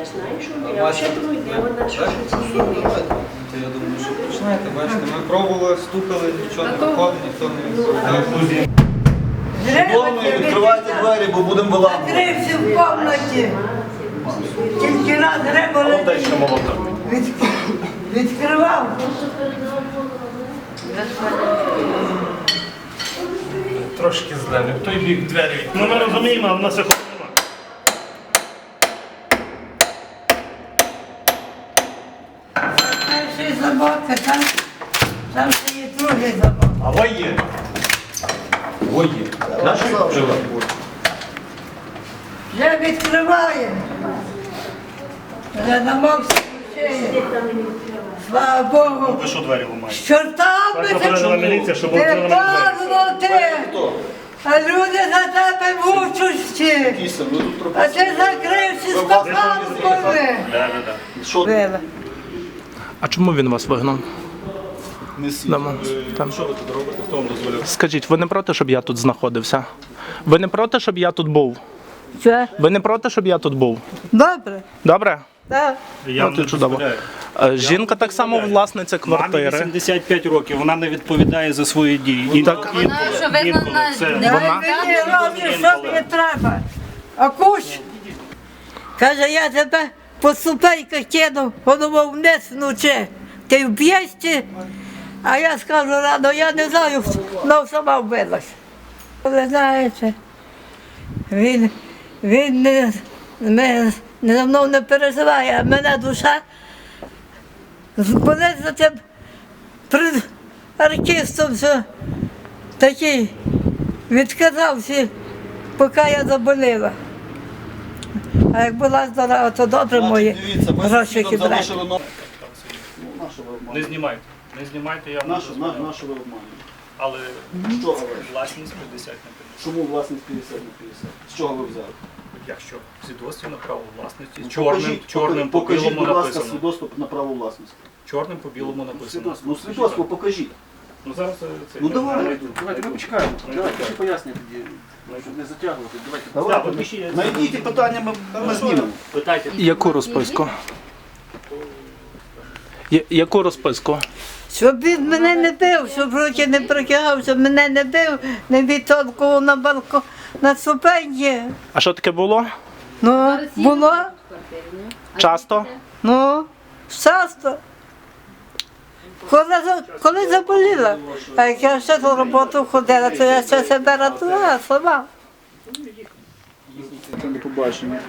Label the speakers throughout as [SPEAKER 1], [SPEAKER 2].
[SPEAKER 1] Я думаю, що починаєте, бачите, ми пробували, стукали, нічого не виходить, ніхто не відповідає.
[SPEAKER 2] Шановні, відкривайте двері, бо будемо виламувати.
[SPEAKER 3] Закрився в кімнаті. Тільки раз треба відкривав.
[SPEAKER 4] Трошки злили. В той бік двері. Ну ми розуміємо, але в нас виходить нема.
[SPEAKER 3] Перший замок, а там ще є другий замок.
[SPEAKER 4] А во є. Во є. Наші жила.
[SPEAKER 3] Вже відкриває. Вже замок включає. Слава Богу.
[SPEAKER 4] Ви що двері ламаєте?
[SPEAKER 3] З чортами
[SPEAKER 4] Так попередила міліція, щоб відкрили
[SPEAKER 3] ти
[SPEAKER 4] нам двері.
[SPEAKER 3] падло ти. А люди за тебе мучущі. А ти закрився з коханками.
[SPEAKER 4] Да.
[SPEAKER 5] А чому він вас вигнав? Дома. Там.
[SPEAKER 2] Що ви тут робите? Хто вам дозволяв?
[SPEAKER 5] Скажіть, ви не проти, щоб я тут знаходився? Ви не проти, щоб я тут був?
[SPEAKER 3] Що?
[SPEAKER 5] Ви не проти, щоб я тут був?
[SPEAKER 3] Добре.
[SPEAKER 5] Добре?
[SPEAKER 3] Так.
[SPEAKER 4] Я вам не
[SPEAKER 5] чудово.
[SPEAKER 4] дозволяю.
[SPEAKER 5] Жінка так само власниця
[SPEAKER 4] Мамі
[SPEAKER 5] квартири.
[SPEAKER 4] 85 років, вона не відповідає за свої дії.
[SPEAKER 5] Так.
[SPEAKER 4] Інколи це...
[SPEAKER 3] Дай мені робиш, що мені треба. А кусь. Каже, я тебе по ступеньках кинув, воно вниз вночі. Ти вб'єшся, а я скажу рано, я не знаю, вона сама вбилась. Ви знаєте, він не за мною не переживає, а мене душа болить за тим артистом, що такий відказався, поки я заболіла. А як була здорова, то добре мої гроші кидати.
[SPEAKER 4] Не знімайте. Не знімайте, я вам
[SPEAKER 2] Нашу ви обманюєте.
[SPEAKER 4] Але
[SPEAKER 2] Що але?
[SPEAKER 4] власність 50 на 50.
[SPEAKER 2] Чому власність 50 на 50? З чого ви взяли?
[SPEAKER 4] Якщо свідоцтво на право власності,
[SPEAKER 2] Покажіть,
[SPEAKER 4] чорним по
[SPEAKER 2] покажіть,
[SPEAKER 4] білому
[SPEAKER 2] будь ласка,
[SPEAKER 4] написано.
[SPEAKER 2] свідоцтво на право власності.
[SPEAKER 4] Чорним по білому написано.
[SPEAKER 2] Ну, свідоцтво покажіть.
[SPEAKER 4] Ну зараз це...
[SPEAKER 2] Ну давай,
[SPEAKER 4] знайду.
[SPEAKER 2] давайте, ми почекаємо. Давайте, всі пояснення тоді, щоб не затягувати.
[SPEAKER 4] Так,
[SPEAKER 2] Давайте,
[SPEAKER 4] підпишіть.
[SPEAKER 2] знайдіть ті питання, ми знімемо.
[SPEAKER 4] Питайте.
[SPEAKER 5] Яку розписку? Яку розписку?
[SPEAKER 3] Щоб він мене не бив, щоб руки не прикигав, щоб мене не бив, не відтолкував на балкон, на ступеньки.
[SPEAKER 5] А що таке було?
[SPEAKER 3] Ну, було,
[SPEAKER 5] Часто?
[SPEAKER 3] ну, часто. Коли заболіла, а як я ще на роботу ходила, то я ще себе рятувала сама.
[SPEAKER 2] До побачення.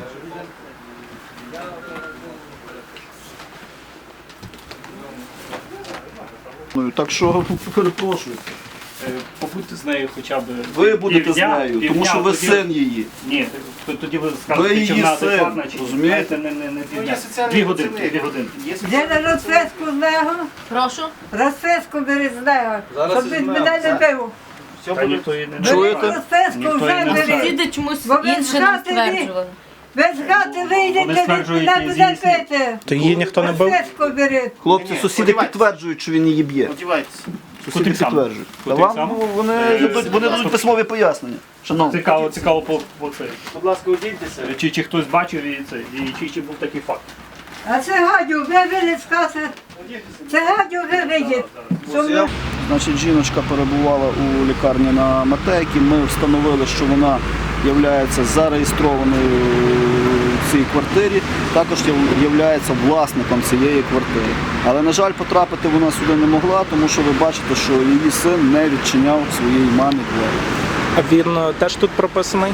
[SPEAKER 2] Ну, так що, перепрошую.
[SPEAKER 4] Побудьте з нею хоча б...
[SPEAKER 2] Ви будете з
[SPEAKER 4] півдня,
[SPEAKER 2] нею, тому що ви
[SPEAKER 4] тоді-
[SPEAKER 2] син її.
[SPEAKER 4] Ні, тоді ви
[SPEAKER 2] Ви
[SPEAKER 4] скажете, чи
[SPEAKER 2] її
[SPEAKER 4] вона
[SPEAKER 2] син,
[SPEAKER 4] адекватна, чи
[SPEAKER 2] розумієте?
[SPEAKER 4] не півдня. 2 годинки, 2 годинки.
[SPEAKER 3] Де на розписку з нього?
[SPEAKER 6] Прошу.
[SPEAKER 3] Розписку бери з нього, щоб він мене не бив.
[SPEAKER 4] Та ніхто її не
[SPEAKER 3] Бери
[SPEAKER 2] Чуєте?
[SPEAKER 3] розписку,
[SPEAKER 4] Ніхто
[SPEAKER 3] вже
[SPEAKER 4] її не
[SPEAKER 3] бери.
[SPEAKER 6] Діди чомусь
[SPEAKER 3] Бо ви
[SPEAKER 6] інше нам
[SPEAKER 3] згадали,
[SPEAKER 6] стверджували.
[SPEAKER 3] Ви з хати вийдете, він
[SPEAKER 4] стверджують,
[SPEAKER 3] мене
[SPEAKER 4] і
[SPEAKER 3] буде
[SPEAKER 4] здійснюють.
[SPEAKER 3] бити.
[SPEAKER 5] То її ніхто не бив?
[SPEAKER 3] Розписку бери.
[SPEAKER 2] Хлопці, сусіди підтверджують, що він її б'є.
[SPEAKER 4] Одівайтеся.
[SPEAKER 2] Сусіди підтверджують. Та
[SPEAKER 4] Куди
[SPEAKER 2] вам
[SPEAKER 4] сам?
[SPEAKER 2] вони дадуть письмові пояснення. Шановні.
[SPEAKER 4] Цікаво по це.
[SPEAKER 2] Будь ласка, одіньтеся.
[SPEAKER 4] Чи хтось бачив і це, і чи був такий факт.
[SPEAKER 3] А це гадю, ви виліз з хати. Це гадю, ви вийдіть.
[SPEAKER 2] Значить, жіночка перебувала у лікарні на Матейці. Ми встановили, що вона є зареєстрованою в цій квартирі, також є власником цієї квартири. Але, на жаль, потрапити вона сюди не могла, тому що ви бачите, що її син не відчиняв своїй мамі двері.
[SPEAKER 5] А він теж тут прописаний?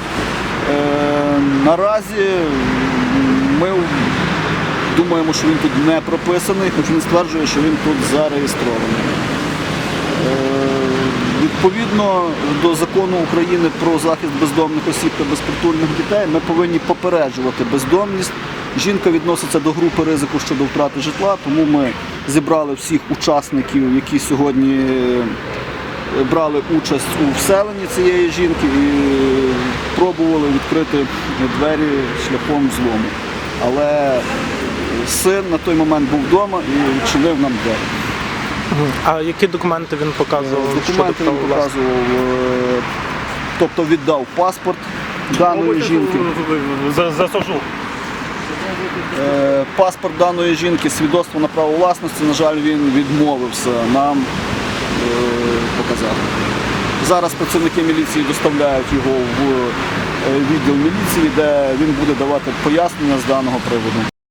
[SPEAKER 2] Наразі ми думаємо, що він тут не прописаний, хоч він стверджує, що він тут зареєстрований. Відповідно до закону України про захист бездомних осіб та безпритульних дітей ми повинні попереджувати бездомність. Жінка відноситься до групи ризику щодо втрати житла, тому ми зібрали всіх учасників, які сьогодні брали участь у вселенні цієї жінки і пробували відкрити двері шляхом взлому. Але син на той момент був вдома і відчинив нам двері.
[SPEAKER 5] А які документи він показував?
[SPEAKER 2] Документи він показував, тобто віддав паспорт даної жінки.
[SPEAKER 4] Засажу.
[SPEAKER 2] паспорт даної жінки, свідоцтво на право власності, на жаль, він відмовився нам показати. Зараз працівники міліції доставляють його в відділ міліції, де він буде давати пояснення з даного приводу.